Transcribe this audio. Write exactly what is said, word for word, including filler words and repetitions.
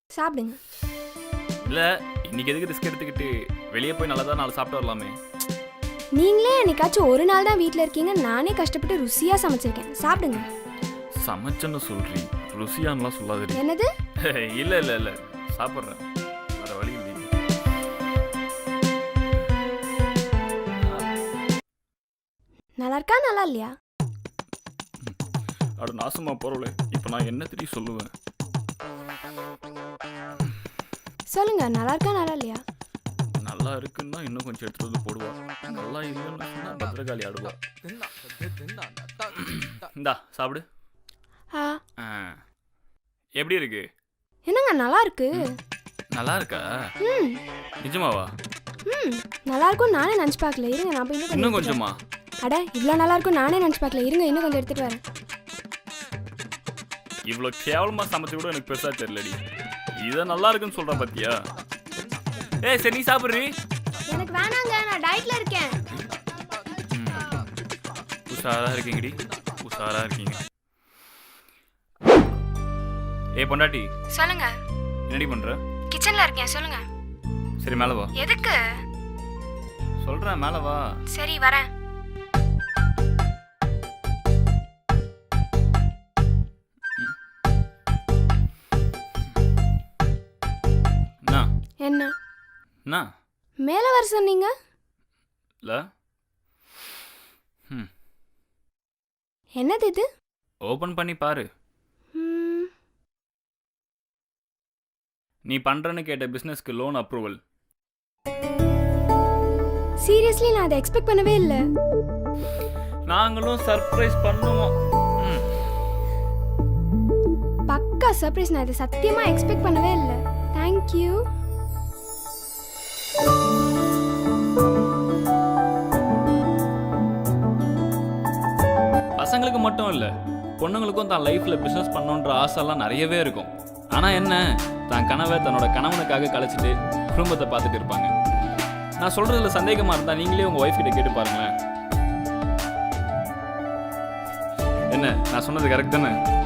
சாப்பிடுங்க. இல்ல இன்னைக்கு எதுக்கு ரிஸ்க் எடுத்துக்கிட்டு வெளியே போய் நல்லா தான் நாலு சாப்பிட்டு வரலாமே. நீங்களே என்னைக்காச்சும் ஒரு நாள் தான் வீட்டில் இருக்கீங்க, நானே கஷ்டப்பட்டு ருசியாக சமைச்சிருக்கேன். சாப்பிடுங்க. சமைச்சன்னு சொல்றீ, ருசியான்லாம் சொல்லாதீ. என்னது? இல்ல இல்ல இல்ல சாப்பிட்றேன், வேற வழி இல்லை. நல்லா இருக்கா நல்லா இல்லையா? அட நாசமா போறவளே, இப்போ நான் என்ன தெரியும் சொல்லுவேன். சொல்லுங்க, நல்லா இருக்கா நல்லா இல்லையா? நல்லா இருக்குன்னா இன்னும் கொஞ்சம் எடுத்துட்டு வந்து போடுவா, நல்லா இல்லைன்னு சொன்னா பத்திரகாளி ஆடுவா. இந்தா சாப்பிடு. ஆ ஆ, எப்படி இருக்கு? என்னங்க நல்லா இருக்கு. நல்லா இருக்கா? ம் நிஜமாவா? ம் நல்லா இருக்கும் நானே நினச்சி பார்க்கல. இருங்க நான் போய் இன்னும் கொஞ்சமா? அட இவ்வளோ நல்லா இருக்கும் நானே நினச்சி பார்க்கல. இருங்க இன்னும் கொஞ்சம் எடுத்துட்டு வரேன். இவ்வளோ கேவலமா சமைச்சு கூட எனக்கு பெருசா தெரியலடி. இதை நல்லா இருக்குன்னு சொல்ற பாத்தியா? ஏய் சரி நீ சாப்பிட்றீ. எனக்கு வேணாங்க, நான் டயட்ல இருக்கேன். உஷாரா இருக்கீங்கடி, உஷாரா இருக்கீங்க. ஏய் பொண்டாட்டி. சொல்லுங்க. என்னடி பண்ற? கிச்சன்ல இருக்கேன், சொல்லுங்க. சரி மேல வா. எதுக்கு? சொல்றேன் மேல வா. சரி வரேன். என்ன என்ன மேல வர சொன்னீங்க? இல்ல. ம் என்னது இது? ஓபன் பண்ணி பாரு. ம், நீ பண்றன்னு கேட்ட பிசினஸ்க்கு லோன் அப்ரூவல். சீரியஸ்லி நான் அதை எக்ஸ்பெக்ட் பண்ணவே இல்லை. நாங்களும் சர்ப்ரைஸ் பண்ணுவோம். ம். பக்கா சர்ப்ரைஸ். நான் இதை சத்தியமா எக்ஸ்பெக்ட் பண்ணவே இல்லை. தேங்க்யூ. பசங்களுக்கு மட்டும் இல்லை, பொண்ணுங்களுக்கும் தான் லைஃப்பில் பிஸ்னஸ் பண்ணணுன்ற ஆசைலாம் நிறையவே இருக்கும். ஆனால் என்ன, தான் கனவை தன்னோட கணவனுக்காக கழிச்சிட்டு குடும்பத்தை பார்த்துட்டு இருப்பாங்க. நான் சொல்கிறதுல சந்தேகமாக இருந்தால் நீங்களே உங்கள் ஒய்ஃப் கிட்ட கேட்டு பாருங்களேன். என்ன நான் சொன்னது கரெக்ட் தானே?